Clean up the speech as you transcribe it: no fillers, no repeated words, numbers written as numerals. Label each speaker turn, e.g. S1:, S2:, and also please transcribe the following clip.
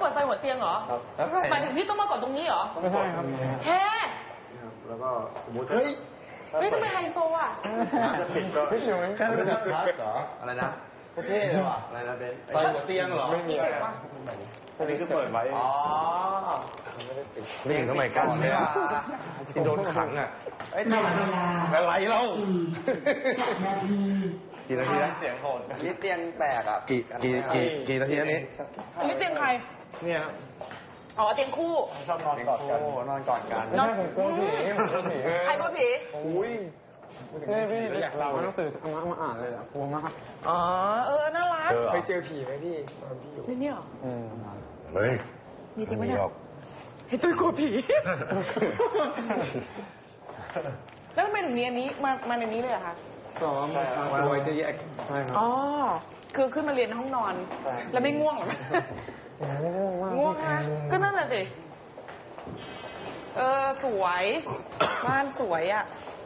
S1: ปิดไฟหัวเตียงเหรอครับหมายถึงพี่ต้องมากดตรงนี้เหรอ
S2: ไม่ใช่ครับ
S1: แฮ่
S3: แล้วก็สมมติ
S1: เฮ้ยทำไมไฮโซอ่ะ
S3: จะปิดก็
S2: ไม่อยู่เหมือนกัน
S3: แบบชาร์จเหรอ
S4: อะไรนะ
S3: โอเคเลยว่ะอะไรนะเป็นไฟหัวเตียงเหรอไม่มีอะไรอันนี้คือเปิดไว้
S4: อ๋อ
S3: ไม่เห็นสมัยก่อนเลยอ่ะที่โดนขังอ่ะ
S5: หมดเวลา
S3: อะไรเล่า
S5: 10 นาที
S3: กี่นาทีนะเสียงโหด
S4: นี่เตียงแตกอ่ะ
S3: กี่นาทีนี้
S1: อันนี้เตียงใคร
S3: เนี่ย
S1: อ๋อเตียงคู่
S3: ชอบนอนกอดกัน
S4: นอนกอดกัน
S2: นอนกลัวผี
S1: ใครกลัวผี
S3: อุ้ย
S2: นี่พี่อยากเราหนังสือเอามาอ่านเลยอ่ะกลัวมาก
S1: อ๋อน่ารัก
S3: เคยเจอผีไหมพี่ตอนพี่อยู่
S1: นี่เหรอ
S3: เฮ้ย
S1: มีจริงไหมเนี่ยเฮ้ยตุ้ยกลัวผีแล้วทำไมถึงมีอันนี้มาในนี้เลยอะคะ
S2: ซ้อมตัวจะแยกใช่ครับ
S1: อ๋อคือขึ้นมาเรียนในห้องนอนแล้วไม่ง่วงหรอง่วงนะก็นั่นแหละสิสวยบ้านสวยอ่ะ